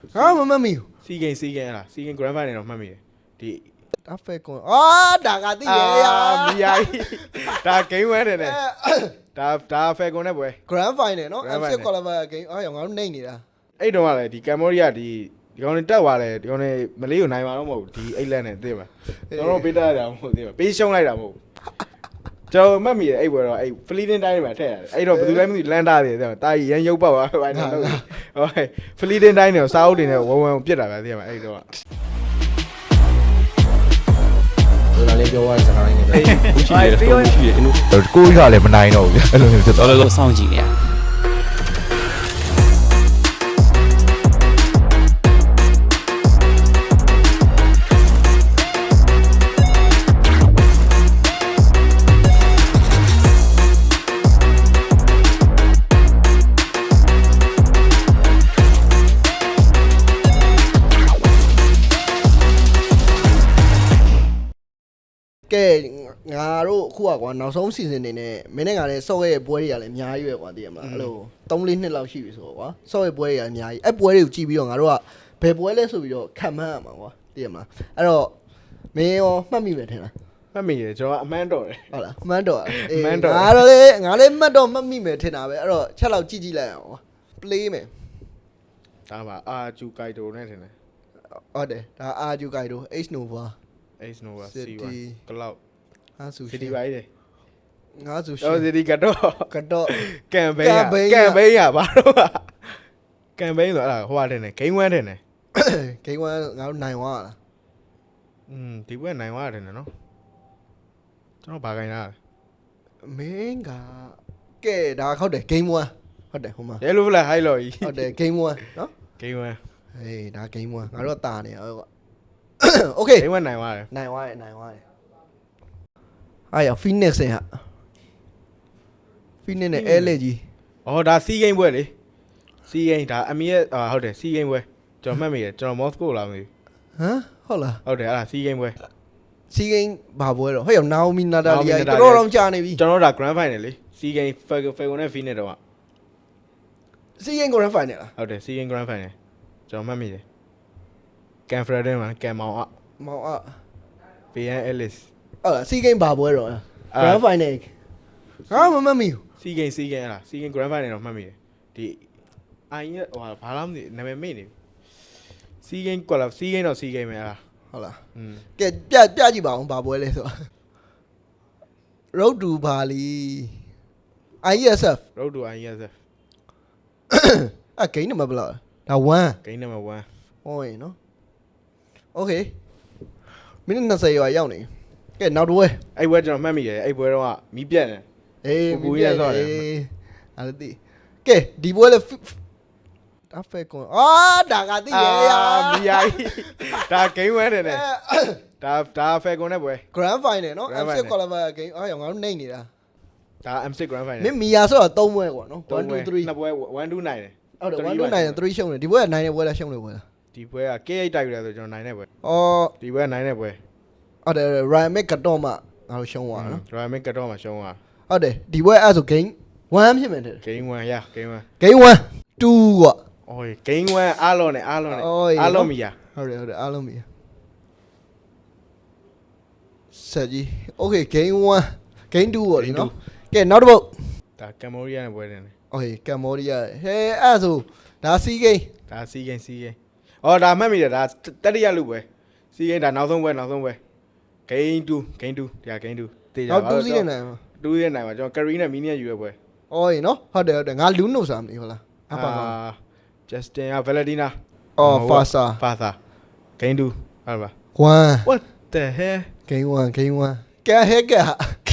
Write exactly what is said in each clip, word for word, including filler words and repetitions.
ဟာမမှတ်မိဘူးစီဂိမ်းစီဂိမ်းဟလားစီဂိမ်း grand final တော့မှတ်မိတယ်ဒီဒါဖက်ကွန်အာဒါကတိရရမီယာကြီးဒါ game ဝဲတယ်နဲ့ဒါဒါဖယ်ကွန်နဲ့ပွဲ grand final နော် F six qualifier game အားရောငါတို့နှိမ့်နေတာအဲ့တုန်းကလည်းဒီကမ်ဘောဒီးယားဒီဒီကောင်တွေတက်သွားတယ်ဒီကောင်တွေမလေးကိုနိုင်မှာတော့မဟုတ်ဘူးဒီအိတ်လက်နဲ့သိမှာကျွန်တော်ပေးတတ်ရတာမဟုတ်သိမှာပေးရှုံးလိုက်တာမဟုတ်ဘူးကျွန်တော်မှတ်မိတယ်အဲ့ပွဲတော့အဲ့ဖလီဒင်တိုင်းမှာထည့်ရတယ်အဲ့တော့ဘယ်သူလဲမသိလန်တာတယ်သိမှာတာကြီးရန်ရုပ်ပေါက်သွားဟိုင်းတော့ဟုတ်ဖလီဒင်တိုင်းနဲ့စာအုပ်တွေနဲ့ဝုံဝုံပြစ်တာပဲသိမှာအဲ့တော့ဒါလည်းပြောရတဲ့စကားလေးနဲ့ပဲရှိတယ်တော့ရှိတယ်ကျွန်တော်ကိုကြီးကလည်းမနိုင်တော့ဘူးအဲ့လိုမျိုးဖြစ်သွားတော်တော်စောင့်ကြည့်နေရကဲငါတို့အခုကွာနောက်ဆုံး season နေနဲ့မင်းနဲ့ငါလည်းဆော့ရဲ့ပွဲတွေကလည်းအများကြီးပဲကွာသိရမလားအဲ့လိုသုံးလေးနှစ်လောက်ရှိပြီဆိုတော့ကွာဆော့ရဲ့ပွဲတွေကလည်းအများကြီးအဲ့ပွဲတွေကိုကြည့်ပြီးတော့ငါတို့ကဘယ်ပွဲလဲဆိုပြီးတော့ခံမှန်းရမှာကွာသိရမလားအဲ့တော့မင်းရောမှတ်မိမယ်ထင်လားမှတ်မိတယ်ကျွန်တော်အမှန်တော်တယ်ဟုတ်လားမှန်းတော့အေးငါတော့လေငါလည်းမှတ်တော့မှတ်မိမယ်ထင်တာပဲအဲ့တော့ချက်လောက်ကြည့်ကြည့်လိုက်အောင်ကွာ play မယ်ဒါပါအာဂျူကိုက်တိုနဲ့ထင်တယ်ဟုတ်တယ်ဒါအာဂျူကိုင်တို H Nova Ace Nova C one Cloud ဟာဆူ City ပါလေငါဆူတော့ City ကတော့ကတော့ကမ်ပိန်းကမ်ပိန်းရပါတော့ကမ်ပိန်းဆိုအဲ့ဒါဟိုပါတယ်နဲ့ game one တယ်နဲ့ game one ငါတို့နိုင်သွားလားอืมဒီဘက်နိုင်သွားတယ်နော်ကျွန်တော်ဘာခိုင်းတာမင်းကကဲဒါဟုတ်တယ် game one ဟုတ်တယ်ဟိုမှာရဲလို့ဖလား high လို့ကြီးဟုတ်တယ် game one နော် game one ဟေးဒါ game one ငါတို့တာနေဟုတ်ကွာ okay game one နိုင်သွားတယ်နိုင်သွားတယ်နိုင်သွားတယ်အားရ Phoenix ဟာ Phoenix နဲ့ L ကြီးအော်ဒါ C game ပွဲလေ C game ဒါအမီရဲ့အာဟုတ်တယ် C game ပွဲကျွန်တော်မှတ်မိတယ်ကျွန်တော် Moscow လာမသိဟမ်ဟုတ်လားဟုတ်တယ်အဲ့ဒါ C game ပွဲ C game ဘာပွဲတော့ဟဲ့ရော Naomi Natalia တော်တော်တော့ကြာနေပြီကျွန်တော်ဒါ grand final လေ C game Falcon နဲ့ Phoenix တော့ C game grand final လားဟုတ်တယ် C game grand final ကျွန်တော်မှတ်မိတယ် Cam Fredden မှာ Cam မောင်အမောင်အ B N Ellis ဟုတ်လား C game ဘာပွဲတော့ grand final ဟာမမမီ C game C game လား C game grand final တော့မှတ်မိတယ်ဒီအိုင်ရဲ့ဟိုဘာလားမသိနာမည်မေ့နေပြီ C game ကွာလား C game တော့ C game ပဲလားဟုတ်လားอืมကဲပြပြကြည့်ပါအောင်ဘာပွဲလဲဆိုတော့ road to bali I S F road to I S F အဂိမ်းနံပါတ်ဘယ်လောက်ဒါone game number one ဟောရင်နော် okay မိနစ်twentyရွာရောက်နေကဲနောက်တစ်ပွဲအဲ့ဘွဲကျွန်တော်မှတ်မိတယ်အဲ့ဘွဲတော့ကမီးပြတ်တယ်အေးပူပူကြီးရဆော့တယ်အဲ့ဒါတိကဲဒီပွဲလဲဒါဖက်ကွန်အာဒါကတိရရမီယာကြီးဒါ game one တယ်နဲ့ဒါဒါ Falcon နဲ့ပွဲ grand final နော် Grand F six final qualifier game အားရောငါတို့နှိမ့်နေတာဒါ M six grand final မင်းမီယာဆိုတော့threeပွဲကွာနော်one two three နှစ်ပွဲone two nine တယ်ဟုတ်တယ်one two nine three ရှုံးတယ်ဒီပွဲကnineနဲ့ပွဲလားရှုံးတယ်ပွဲလားဒီပွဲက K eight တိုက်ရတယ်ဆိုကျွန်တော်နိုင်တဲ့ပွဲအော်ဒီပွဲနိုင်တဲ့ပွဲဟုတ်တယ် Ryan Mc ကတော့မှငါတို့ရှုံးသွားနော် Royal Mid ကတော့မှရှုံးသွားဟုတ်တယ်ဒီပွဲအဲ့ဆို game one ဖြစ်မယ်တဲ့ game one ရ game one game one two ကွာโอ้ย game one အားလုံးနဲ့အားလုံးနဲ့အားလုံးမရဟုတ်တယ်ဟုတ်တယ်အားလုံးပြီဆက်ကြီး okay game one game two ပေါ့ဒီနော်ကဲနောက်တစ်ပုတ်ဒါကမ်ဘောဒီးယားနဲ့ပွဲတယ် okay Cambodia ဟဲအဲ့ဆိုဒါ C game ဒါ C game C game အော်ဒါမှတ်မိတယ်ဒါတတိယလူပွဲ C game ဒါနောက်ဆုံးပွဲနောက်ဆုံးပွဲ game two game two ဒါ game two တေးကြပါနောက်2စီးနေနိုင်မှာ two ရဲ့နိုင်မှာကျွန်တော် carry နဲ့ mini ယူရပွဲအော်နော်ဟုတ်တယ်ဟုတ်တယ်ငါလူးနိုစာမသိဟုတ်လားအပါပါ Justin က Valentina အော် Fasa Fasa game two ဟုတ်ပါ one what the hell game one game one ကဲဟဲကဲ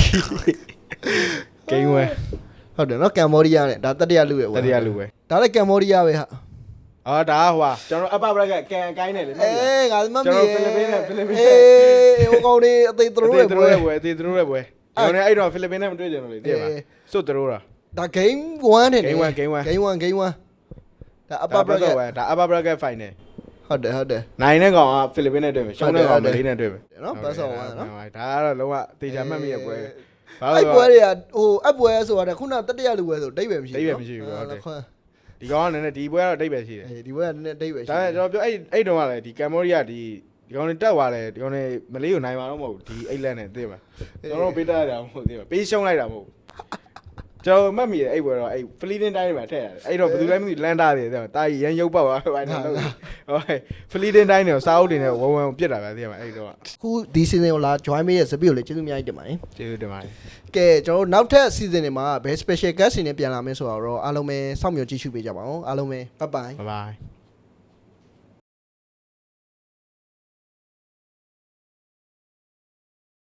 game one ဟုတ်တယ်နော် Cambodia နဲ့ဒါတတိယလူရဲ့တတိယလူပဲဒါလည်း Cambodia ပဲဟာအော်ဒါဟိုဟာကျွန်တော် upper bracket ကန်အကိုင်းနဲ့လေအေးငါမမီကျွန်တော်ဖိလစ်ပင်းနဲ့ဖိလစ်ပင်းအေးဟိုကောင်လေးအသေးသရိုးအရဲ့သေးပွဲတို့ရဲ့ပွဲအသေးတို့ရဲ့ပွဲကျွန်တော်လည်းအဲ့တော့ဖိလစ်ပင်းနဲ့မတွေ့ကြဘူးလေတည့်ပါစွတ်တို့တာဒါ game one နဲ့ game one game one game one game one ဒါ upper upper bracket bracket ဒါ upper bracket final ဟုတ်တယ်ဟုတ်တယ်နိုင်တဲ့ကောင်ကဖိလစ်ပင်းနဲ့တွေ့မယ်ရှုံးတဲ့ကောင်မလေးနဲ့တွေ့မယ်နော်ပတ်စော်ဝါနော်ဒါကတော့လုံးဝတေချာမှတ်မိရဲ့ပွဲဘာအဲ့လို့ပွဲတွေကဟိုအပွဲဆိုတာခုနတတိယလူပွဲဆိုဒိတ်ပဲမရှိဒိတ်ပဲမရှိဘူးဟုတ်တယ်ဒီကောင်ကလည်းဒီပွဲကတော့အတိတ်ပဲရှိတယ်အေးဒီဘက်ကနည်းနည်းအတိတ်ပဲရှိဒါပေမဲ့ကျွန်တော်ပြောအဲ့အဲ့တုန်းကလည်းဒီကမ်ဘောဒီးယားဒီဒီကောင်တွေတက်သွားတယ်ဒီကောင်တွေမလေးကိုနိုင်မှာတော့မဟုတ်ဘူးဒီအိတ်လက်နဲ့သိမှာကျွန်တော်တို့ပေးတတ်ရတာမဟုတ်သိမှာပေးရှုံးလိုက်တာမဟုတ်ကျွန်တော်မှတ်မိတယ်အဲ့ပွဲတော့အဲ့ဖလီတင်တိုင်းမှာထည့်ရတယ်အဲ့တော့ဘယ်သူလဲမသိလန်တာတယ်သိမှာတာကြီးရန်ရုပ်ပေါက်သွားတယ်ဘာနဲ့ဟုတ်ဖလီတင်တိုင်းနဲ့စာအုပ်တွေနဲ့ဝုံဝုံပြစ်တာပဲသိမှာအဲ့တော့ခုဒီ season ကိုလာ join မေးရဲ့စပီကိုလည်းကျေးဇူးအများကြီးတင်ပါတယ်ကျေးဇူးတင်ပါတယ်ကဲကျွန်တော်တို့နောက်ထပ် season တွေမှာဘယ် special guest တွေနဲ့ပြန်လာမလဲဆိုတော့အားလုံးပဲစောင့်မျှော်ကြည့်ရှုပေးကြပါဦးအားလုံးပဲ bye bye bye bye